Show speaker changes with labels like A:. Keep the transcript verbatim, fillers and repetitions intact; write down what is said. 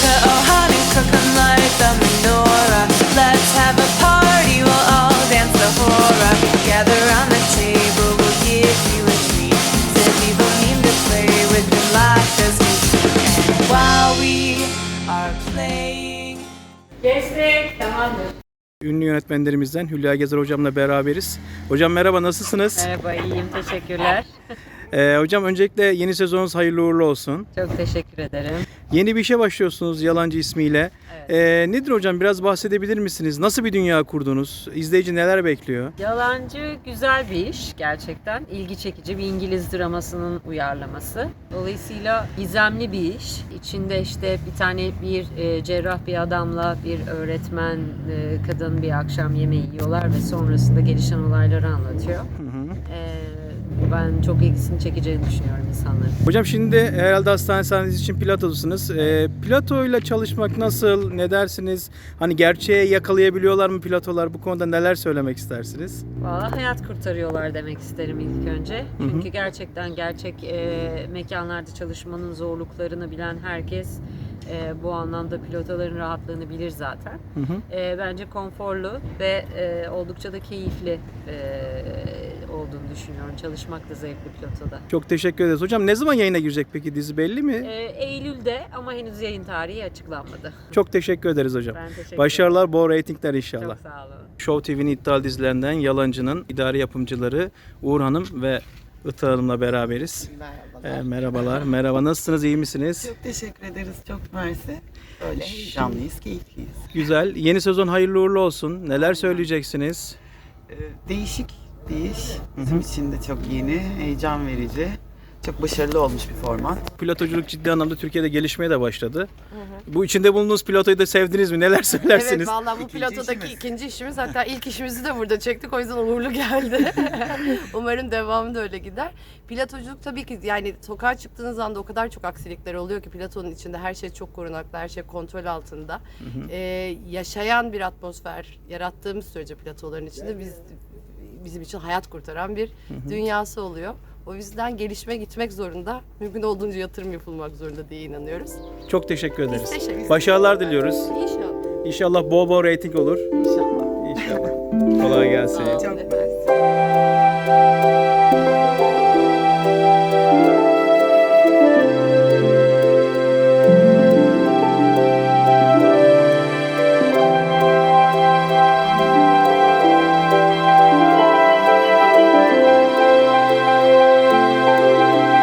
A: Hanukkah, oh Hanukkah, come light the menorah. Let's have a party, we'll all dance the hora. Gather round the table, we'll give you a treat. Said people mean to play with your life as we speak. And while we are playing.
B: Kestik, tamamdır.
C: Ünlü yönetmenlerimizden Hülya Gezer hocamla beraberiz. Hocam merhaba, nasılsınız?
B: Merhaba, iyiyim. Teşekkürler.
C: Ee, hocam öncelikle yeni sezonunuz hayırlı uğurlu olsun.
B: Çok teşekkür ederim.
C: Yeni bir işe başlıyorsunuz Yalancı ismiyle.
B: Evet.
C: Ee, nedir hocam, biraz bahsedebilir misiniz? Nasıl bir dünya kurdunuz? İzleyici neler bekliyor?
B: Yalancı güzel bir iş gerçekten. İlgi çekici bir İngiliz dramasının uyarlaması. Dolayısıyla gizemli bir iş. İçinde işte bir tane bir e, cerrah bir adamla bir öğretmen e, kadın bir akşam yemeği yiyorlar ve sonrasında gelişen olayları anlatıyor.
C: Hı hı.
B: E, ben çok ilgisini çekeceğini düşünüyorum insanların.
C: Hocam şimdi herhalde hastane sahnesi için Plato'dasınız. Ee, Plato ile çalışmak nasıl? Ne dersiniz? Hani gerçeğe yakalayabiliyorlar mı Platolar? Bu konuda neler söylemek istersiniz?
B: Valla hayat kurtarıyorlar demek isterim ilk önce.
C: Hı hı.
B: Çünkü gerçekten gerçek e, mekanlarda çalışmanın zorluklarını bilen herkes e, bu anlamda pilotaların rahatlığını bilir zaten.
C: Hı hı.
B: E, bence konforlu ve e, oldukça da keyifli e, olduğunu düşünüyorum. Çalışmak da zevkli pilotoda.
C: Çok teşekkür ederiz. Hocam ne zaman yayına girecek peki, dizi belli mi?
B: E, Eylül'de ama henüz yayın tarihi açıklanmadı.
C: Çok teşekkür ederiz hocam.
B: Ben teşekkür
C: Başarılar, bol reytingler inşallah.
B: Çok sağ olun.
C: Show T V'nin iddialı dizilerinden Yalancı'nın idari yapımcıları Uğur Hanım ve Itı Hanım'la beraberiz.
D: Merhabalar.
C: Ee, merhabalar. Merhaba, nasılsınız, iyi misiniz?
D: Çok teşekkür ederiz. Çok mersi. Böyle heyecanlıyız, keyifliyiz.
C: Güzel. Yeni sezon hayırlı uğurlu olsun. Neler söyleyeceksiniz?
D: Ee, değişik bir iş. Bizim için de çok yeni, heyecan verici. Çok başarılı olmuş bir format.
C: Pilotoculuk ciddi anlamda Türkiye'de gelişmeye de başladı. Bu içinde bulunduğunuz pilotoyu da sevdiniz mi? Neler söylersiniz?
E: Evet, vallahi bu
D: İkinci
E: pilotodaki
D: işimiz.
E: ikinci işimiz, hatta ilk işimizi de burada çektik, o yüzden uğurlu geldi. Umarım devamı da öyle gider. Pilotoculuk tabii ki, yani sokağa çıktığınız anda o kadar çok aksilikler oluyor ki pilotonun içinde her şey çok korunaklı, her şey kontrol altında. Ee, yaşayan bir atmosfer yarattığımız sürece pilotoların içinde biz bizim için hayat kurtaran bir dünyası oluyor. O yüzden gelişme gitmek zorunda, mümkün olduğunca yatırım yapılmak zorunda diye inanıyoruz.
C: Çok teşekkür ederiz.
E: Biz teşekkür ederiz.
C: Başarılar diliyoruz.
E: İnşallah.
C: İnşallah bol bol reyting olur.
D: İnşallah.
C: İnşallah. Kolay gelsin.
E: Sağ olun.
D: Çok